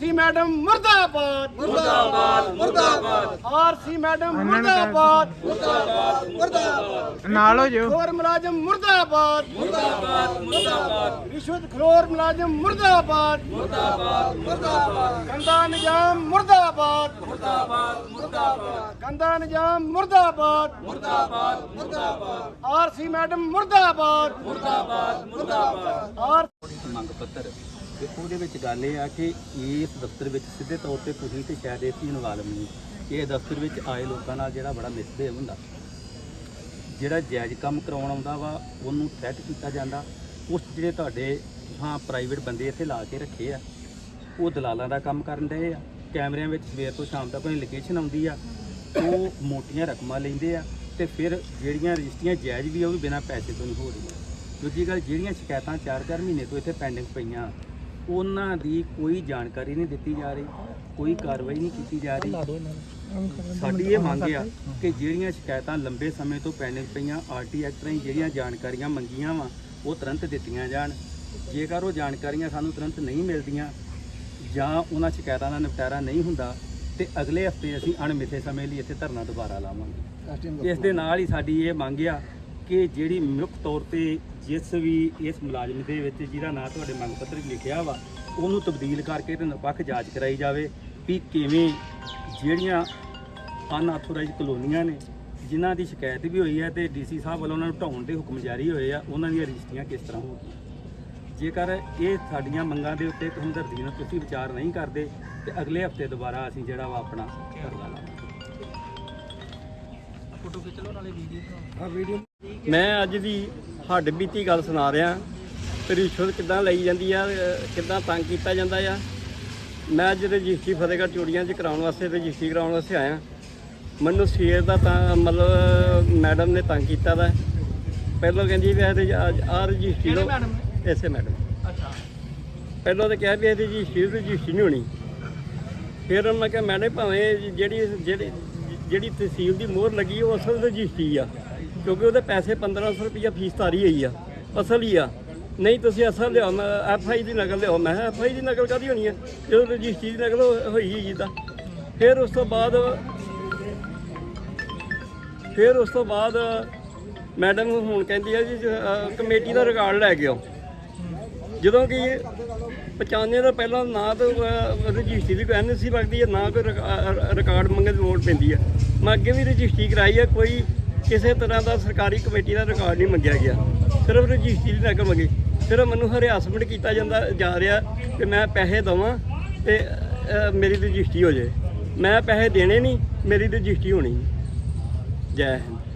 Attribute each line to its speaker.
Speaker 1: RC madam मुर्दाबाद
Speaker 2: मुर्दाबाद मुर्दाबाद
Speaker 1: आरसी मैडम मुर्दाबाद
Speaker 2: मुर्दाबाद मुर्दाबाद
Speaker 3: नालो जो
Speaker 1: खलोर मुलाजिम मुर्दाबाद
Speaker 2: मुर्दाबाद मुर्दाबाद
Speaker 1: रिश्वत खलोर मुलाजिम मुर्दाबाद
Speaker 2: मुर्दाबाद मुर्दाबाद
Speaker 1: गंदा निजाम मुर्दाबाद
Speaker 2: मुर्दाबाद मुर्दाबाद
Speaker 1: गंदा निजाम मुर्दाबाद
Speaker 2: मुर्दाबाद मुर्दाबाद
Speaker 1: आरसी मैडम मुर्दाबाद
Speaker 2: मुर्दाबाद मुर्दाबाद
Speaker 1: आर
Speaker 4: ਮੰਗ ਪੱਤਰ ਤੇ ਉਹਦੇ ਵਿੱਚ ਗੱਲ ਇਹ ਆ ਕਿ ਇਸ ਦਫ਼ਤਰ ਵਿੱਚ ਸਿੱਧੇ ਤੌਰ ਤੇ ਤੁਸੀਂ ਤੇ ਸ਼ਾਇਦ ਇਸ ਇਨਵਾਲਵ ਨਹੀਂ ਕਿ ਇਹ ਦਫ਼ਤਰ ਵਿੱਚ ਆਏ ਲੋਕਾਂ ਨਾਲ ਜਿਹੜਾ ਬੜਾ ਮਿਸਬਿਹੇਵ ਹੁੰਦਾ, ਜਿਹੜਾ ਜਾਇਜ਼ ਕੰਮ ਕਰਵਾਉਣ ਆਉਂਦਾ ਵਾ ਉਹਨੂੰ ਥ੍ਰੈਟ ਕੀਤਾ ਜਾਂਦਾ। ਉਸ ਜਿਹੜੇ ਤੁਹਾਡੇ ਹਾਂ ਪ੍ਰਾਈਵੇਟ ਬੰਦੇ ਇੱਥੇ ਲਾ ਕੇ ਰੱਖੇ ਆ ਉਹ ਦਲਾਲਾਂ ਦਾ ਕੰਮ ਕਰਨ ਡਏ ਆ। ਕੈਮਰਿਆਂ ਵਿੱਚ ਸਵੇਰ ਤੋਂ ਸ਼ਾਮ ਤੱਕ ਕੋਈ ਲੋਕੇਸ਼ਨ ਆਉਂਦੀ ਆ, ਉਹ ਮੋਟੀਆਂ ਰਕਮਾਂ ਲੈਂਦੇ ਆ ਤੇ ਫਿਰ ਜਿਹੜੀਆਂ ਰਜਿਸਟਰੀਆਂ ਜਾਇਜ਼ ਵੀ ਆ ਉਹ ਵੀ ਬਿਨਾਂ ਪੈਸੇ ਤੋਂ ਨਹੀਂ ਹੋ ਰਹੀਆਂ। ਦੂਜੀ ਗੱਲ, ਜਿਹੜੀਆਂ ਸ਼ਿਕਾਇਤਾਂ 4-4 ਮਹੀਨੇ ਤੋਂ ਇੱਥੇ ਪੈਂਡਿੰਗ ਪਈਆਂ ਉਹਨਾਂ ਦੀ ਕੋਈ ਜਾਣਕਾਰੀ ਨਹੀਂ ਦਿੱਤੀ ਜਾ ਰਹੀ, ਕੋਈ ਕਾਰਵਾਈ ਨਹੀਂ ਕੀਤੀ ਜਾ ਰਹੀ। ਸਾਡੀ ਇਹ ਮੰਗ ਆ ਕਿ ਜਿਹੜੀਆਂ ਸ਼ਿਕਾਇਤਾਂ ਲੰਬੇ ਸਮੇਂ ਤੋਂ ਪੈਂਡਿੰਗ ਪਈਆਂ ਆਰਟੀ ਐਕਟ ਰਾਹੀਂ ਜਿਹੜੀਆਂ ਜਾਣਕਾਰੀਆਂ ਮੰਗੀਆਂ ਵਾ ਉਹ ਤੁਰੰਤ ਦਿੱਤੀਆਂ ਜਾਣ। ਜੇਕਰ ਉਹ ਜਾਣਕਾਰੀਆਂ ਸਾਨੂੰ ਤੁਰੰਤ ਨਹੀਂ ਮਿਲਦੀਆਂ ਜਾਂ ਉਹਨਾਂ ਸ਼ਿਕਾਇਤਾਂ ਦਾ ਨਿਪਟਾਰਾ ਨਹੀਂ ਹੁੰਦਾ ਤੇ ਅਗਲੇ ਹਫਤੇ ਅਸੀਂ ਅਣਮਿੱਥੇ ਸਮੇਂ ਲਈ ਇੱਥੇ ਧਰਨਾ ਦੁਬਾਰਾ ਲਾਵਾਂਗੇ। ਇਸ ਦੇ ਨਾਲ ਹੀ ਸਾਡੀ ਇਹ ਮੰਗ ਆ ਕਿ ਜਿਹੜੀ ਮੁੱਖ ਤੌਰ ਤੇ ਜਿਸ ਵੀ ਇਸ ਮੁਲਾਜ਼ਮ ਦੇ ਵਿੱਚ ਜਿਹਦਾ ਨਾਂ ਤੁਹਾਡੇ ਮੰਗ ਪੱਤਰ ਵਿੱਚ ਲਿਖਿਆ ਵਾ ਉਹਨੂੰ ਤਬਦੀਲ ਕਰਕੇ ਤੇ ਨਿਰਪੱਖ ਜਾਂਚ ਕਰਾਈ ਜਾਵੇ ਵੀ ਕਿਵੇਂ ਜਿਹੜੀਆਂ ਅਨਆਥੋਰਾਈਜ਼ਡ ਕਲੋਨੀਆਂ ਨੇ ਜਿਨ੍ਹਾਂ ਦੀ ਸ਼ਿਕਾਇਤ ਵੀ ਹੋਈ ਹੈ ਤੇ ਡੀਸੀ ਸਾਹਿਬ ਵੱਲੋਂ ਉਹਨਾਂ ਨੂੰ ਢਾਉਣ ਦੇ ਹੁਕਮ ਜਾਰੀ ਹੋਏ ਆ, ਉਹਨਾਂ ਦੀਆਂ ਰਜਿਸਟਰੀਆਂ ਕਿਸ ਤਰ੍ਹਾਂ ਹੋਣਗੀਆਂ। ਜੇਕਰ ਇਹ ਸਾਡੀਆਂ ਮੰਗਾਂ ਦੇ ਉੱਤੇ ਹਮਦਰਦੀ ਨਾਲ ਤੁਸੀਂ ਵਿਚਾਰ ਨਹੀਂ ਕਰਦੇ ਤੇ ਅਗਲੇ ਹਫਤੇ ਦੁਬਾਰਾ ਅਸੀਂ ਜਿਹੜਾ ਵਾ ਆਪਣਾ ਧਰਨਾ ਲਾਵਾਂਗੇ।
Speaker 5: ਮੈਂ ਅੱਜ ਦੀ ਹੱਡ ਬੀਤੀ ਗੱਲ ਸੁਣਾ ਰਿਹਾ ਤੇ ਰਿਸ਼ਵਤ ਕਿੱਦਾਂ ਲਈ ਜਾਂਦੀ ਆ, ਕਿੱਦਾਂ ਤੰਗ ਕੀਤਾ ਜਾਂਦਾ ਆ। ਮੈਂ ਅੱਜ ਰਜਿਸਟਰੀ ਫਤਿਹਗੜ੍ਹ ਚੂੜੀਆਂ 'ਚ ਕਰਾਉਣ ਵਾਸਤੇ ਰਜਿਸਟਰੀ ਕਰਾਉਣ ਵਾਸਤੇ ਆਇਆ। ਮੈਨੂੰ ਸਵੇਰ ਦਾ ਤਾਂ ਮਤਲਬ ਮੈਡਮ ਨੇ ਤੰਗ ਕੀਤਾ ਦਾ। ਪਹਿਲਾਂ ਕਹਿੰਦੀ ਵੀ ਆਹ ਰਜਿਸਟਰੀ ਲਓ, ਐਸੇ ਮੈਡਮ ਪਹਿਲਾਂ ਤਾਂ ਕਿਹਾ ਵੀ ਇਹਦੀ ਰਜਿਸਟਰੀ ਨਹੀਂ ਹੋਣੀ। ਫਿਰ ਮੈਂ ਕਿਹਾ ਮੈਡਮ ਭਾਵੇਂ ਜਿਹੜੀ ਤਹਿਸੀਲ ਦੀ ਮੋਹਰ ਲੱਗੀ ਉਹ ਅਸਲ ਰਜਿਸਟਰੀ ਆ, ਕਿਉਂਕਿ ਉਹਦੇ ਪੈਸੇ 1500 ਰੁਪਈਆ ਫੀਸ ਤਾਰੀ ਹੋਈ ਆ, ਅਸਲ ਹੀ ਆ। ਨਹੀਂ ਤੁਸੀਂ ਅਸਲ ਲਿਆਓ, ਮੈਂ FI ਦੀ ਨਕਲ ਲਿਆਓ। ਮੈਂ ਕਿਹਾ FI ਦੀ ਨਕਲ ਕਾਹਦੀ ਹੋਣੀ ਹੈ ਜਦੋਂ ਰਜਿਸਟਰੀ ਦੀ ਨਕਲ ਹੋਈ ਜਿੱਦਾਂ। ਫਿਰ ਉਸ ਤੋਂ ਬਾਅਦ ਮੈਡਮ ਹੁਣ ਕਹਿੰਦੀ ਆ ਜੀ ਕਮੇਟੀ ਦਾ ਰਿਕਾਰਡ ਲੈ ਕੇ ਆਓ, ਜਦੋਂ ਕਿ 95 ਦਾ ਪਹਿਲਾਂ ਨਾ ਤਾਂ ਰਜਿਸਟਰੀ ਦੀ ਕੋਈ NC ਲੱਗਦੀ ਹੈ, ਨਾ ਕੋਈ ਰਿਕਾਰਡ ਮੰਗਣ ਦੀ ਲੋੜ ਪੈਂਦੀ ਹੈ। ਮੈਂ ਅੱਗੇ ਵੀ ਰਜਿਸਟਰੀ ਕਰਾਈ ਹੈ, ਕੋਈ ਕਿਸੇ ਤਰ੍ਹਾਂ ਦਾ ਸਰਕਾਰੀ ਕਮੇਟੀ ਦਾ ਰਿਕਾਰਡ ਨਹੀਂ ਮੰਗਿਆ ਗਿਆ, ਸਿਰਫ ਰਜਿਸਟਰੀ ਦੀ ਨਕਲ ਮੰਗੀ। ਸਿਰਫ ਮੈਨੂੰ ਹਰਾਸਮੈਂਟ ਕੀਤਾ ਜਾ ਰਿਹਾ ਕਿ ਮੈਂ ਪੈਸੇ ਦੇਵਾਂ ਤੇ ਮੇਰੀ ਰਜਿਸਟਰੀ ਹੋ ਜਾਏ। ਮੈਂ ਪੈਸੇ ਦੇਣੇ ਨਹੀਂ, ਮੇਰੀ ਰਜਿਸਟਰੀ ਹੋਣੀ। ਜੈ ਹਿੰਦ।